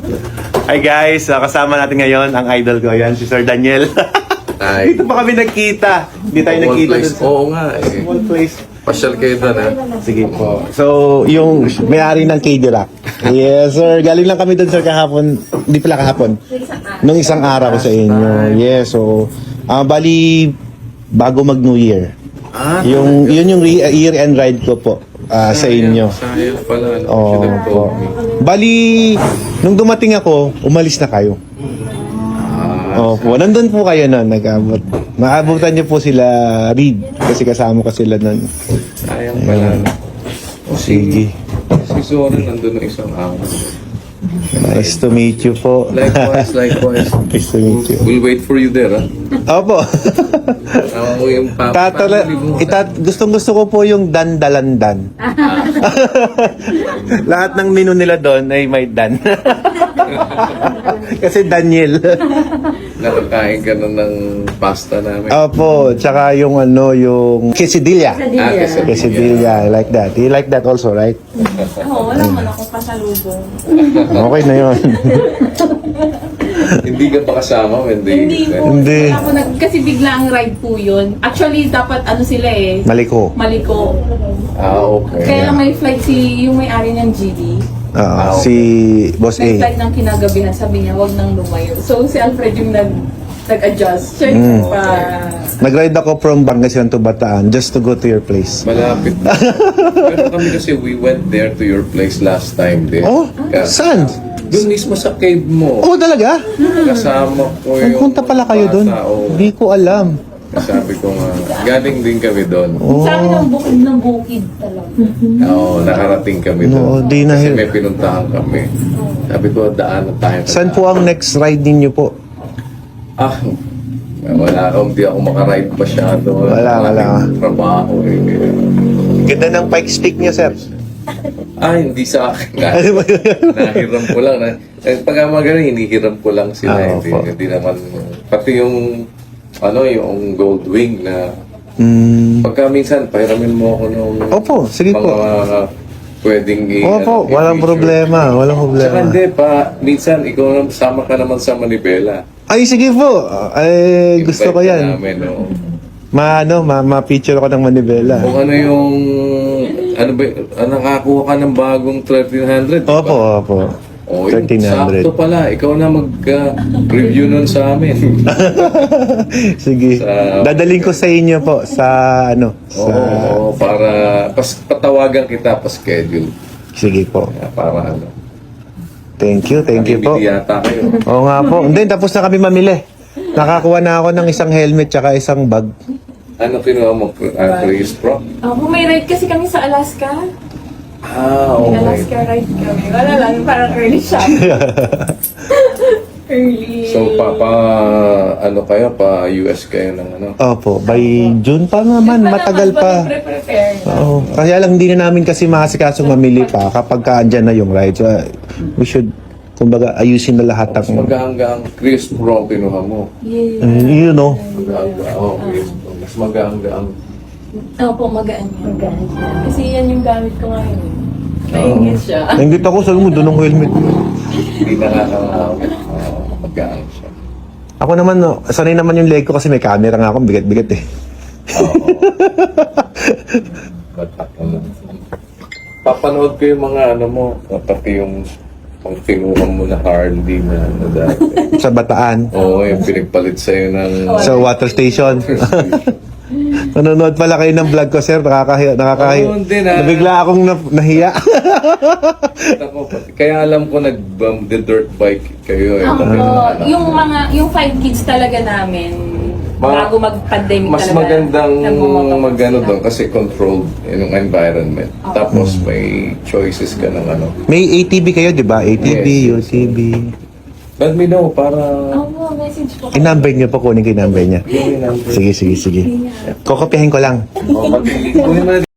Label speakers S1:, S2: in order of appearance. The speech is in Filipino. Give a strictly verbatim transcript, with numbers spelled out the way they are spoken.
S1: Hi guys, uh, kasama natin ngayon ang idol ko. Yan, si Sir Daniel.
S2: Ay,
S1: Dito pa kami nagkita. Hindi tayo
S2: small
S1: nagkita
S2: place.
S1: dun sa
S2: Oo nga eh.
S1: small place.
S2: Pasyal kayo doon ha.
S1: Sige po. So, yung may-ari ng K D Rock. Yes, sir. Galing lang kami doon, sir, kahapon. Hindi pala kahapon. Nung isang araw ko sa inyo. Yes, so, ah bali, bago mag-New Year.
S2: Ah,
S1: Yung, yun yung re- year-end ride ko po ah, sa inyo.
S2: Sayang pala. No?
S1: Oo
S2: Should have
S1: po.
S2: told me.
S1: Bali, nung dumating ako, umalis na kayo.
S2: Ah,
S1: Opo, nandun po kayo nun, nag-abot. Maabutan niyo po sila, Reed, kasi kasama ko sila nun.
S2: sayang pala. no? O
S1: Sige.
S2: Si Zoran nandun ng isang araw.
S1: Nice to meet you po.
S2: Likewise, likewise.
S1: Nice to meet you.
S2: We'll wait for you there ha.
S1: Opo.
S2: Tama mo yung pap-
S1: Tatala,
S2: family mo.
S1: itat, gustong gusto ko po yung dan-dalandan. Lahat ng menu nila doon ay may dan. Kasi Daniel.
S2: Nakakain ka na ng pasta namin.
S1: Opo, tsaka yung ano, yung quesadilla.
S2: Ah, quesadilla.
S1: Quesadilla, I like that. You like that also, right?
S3: Oo, wala man akong pasalubong.
S1: Okay na yun.
S2: Hindi ka pa kasama when they...
S3: Hindi po.
S1: Hindi.
S3: Wala po nag, kasi bigla ang ride po yun. Actually, dapat ano sila eh.
S1: Maliko.
S3: Maliko.
S2: Ah, okay.
S3: Kaya lang may flight si, yung may-ari ng G D.
S1: Oo, si Boss
S3: May
S1: A.
S3: flight ng kinagabihan. Sabi niya, wag nang lumayo. So, si Alfred yung nag, nag-adjust. Siya
S1: Mm.
S3: yung pa...
S1: Nag-ride ako from Pangasinan to Bataan just to go to your place.
S2: Malapit. Pero kami kasi we went there to your place last time din.
S1: Oh,
S2: Kaya-
S1: saan?
S2: Doon mismo sa cave mo.
S1: Oh, talaga?
S2: Kasama ko yung
S1: Nagpunta pala kayo doon?
S2: bata, oo.
S1: Hindi ko alam.
S2: Sabi ko nga, galing din kami doon.
S1: Oh.
S3: Sa amin ang bukid ng bukid talaga.
S2: Oo, nakarating kami
S1: No,
S2: doon.
S1: di na
S2: Kasi
S1: here.
S2: may pinuntahan kami. Sabi ko, daan na tayo.
S1: Saan po ang next ride ninyo po?
S2: Ah, wala akong, di ako makaride masyado.
S1: Wala, wala.
S2: Aking Trabaho eh. Kaya-
S1: Ganda ng pike stick niya, sir.
S2: Ah, hindi sa akin. Nahiram ko lang. Na, eh, pag mga ganun, hinihiram ko lang sila.
S1: Ah,
S2: hindi,
S1: opo.
S2: hindi naman, pati yung, ano, yung gold wing na,
S1: Mm.
S2: pagka minsan, pahiramin mo ako nung
S1: Opo, sige
S2: mga
S1: po.
S2: pwedeng i-
S1: Opo,
S2: ano,
S1: walang
S2: i-feature.
S1: problema. Walang
S2: Saka
S1: problema.
S2: hindi pa, minsan, ikaw naman, sama ka naman sa Manibela.
S1: Ay, sige po. Ay, gusto ko
S2: Invite ka
S1: yan.
S2: Namin, no?
S1: Ma, ano, ma, ma-picture ako ng Manibela.
S2: Kung ano yung, ano ba, ah, nakakuha ka ng bagong thirteen hundred, di ba?
S1: Opo, opo.
S2: O, yun,
S1: thirteen hundred.
S2: sakto pala. Ikaw na mag-review nun sa amin.
S1: Sige.
S2: Sa-
S1: Dadaling ko sa inyo po sa ano, sa
S2: Oo, para pas, patawagan kita pa schedule.
S1: sige po.
S2: Para ano.
S1: Thank you, thank you po.
S2: Namimili yata kayo.
S1: Oo nga po. Hindi, tapos na kami mamili. Nakakuha na ako ng isang helmet tsaka isang bag.
S2: Ano kinuha mo? Uh, Chris Pro?
S3: Ako, may ride kasi kami sa Alaska.
S2: Ah,
S3: May
S2: okay.
S3: Alaska ride kami. Wala lang, parang early shop. early.
S2: So, pa, pa, ano kayo? Pa U S kayo ng ano?
S1: Opo, by June pa naman, matagal pa.
S3: Prepare na.
S1: Oo. Kaya lang hindi na namin kasi makasikasong mamili pa kapag ka andyan na yung ride. So, uh, we should, kumbaga, ayusin na lahat
S2: Mas
S1: ng,
S2: magahanggang Chris Pro kinuha mo.
S3: Yeah.
S1: uh, you know.
S2: Magahanggang, oh, Chris Pro. Mas magahanggang.
S3: Opo, magaan yan. Kasi yan yung gamit ko ngayon. Maingit siya.
S1: Nainggit ako, sabi mo, doon ang helmet.
S2: Hindi nakakawawit. Uh, magaang siya.
S1: Ako naman, no, sanay naman yung leg ko kasi may camera nga ako, bigat-bigat eh.
S2: Oo. Batak ano. Papanood ko yung mga ano mo, pati yung pang kinuha mo na Harley na ano dati.
S1: Sa Bataan,
S2: Oo, yung pinagpalit sa'yo ng...
S1: sa water station. Nanonood pala kayo ng vlog ko, sir. Nakakahiya. nakakahiya.
S2: Oo, hindi na.
S1: Nabigla akong na, nahiya.
S2: Ako, pati- Kaya alam ko nag-dirt bike kayo. Eh,
S3: Ako,
S2: Pati yung anak
S3: yung
S2: mo.
S3: mga, yung five kids talaga namin,
S2: Ma-
S3: bago mag-pandemic
S2: Mas
S3: talaga.
S2: magandang
S3: nagmumotor
S2: magano
S3: sila.
S2: doon kasi controlled yung environment. Tapos may choices ka ng ano.
S1: May A T V kayo, di ba? A T V,
S2: Yes, yes.
S1: U T V.
S2: Let me know para...
S3: Oo, message po.
S1: Kinambay niyo po, kunin kinambay niya.
S2: Yun yung number.
S1: Sige, sige, sige. Kokopyahin ko lang.
S2: O, pati- kunin mo na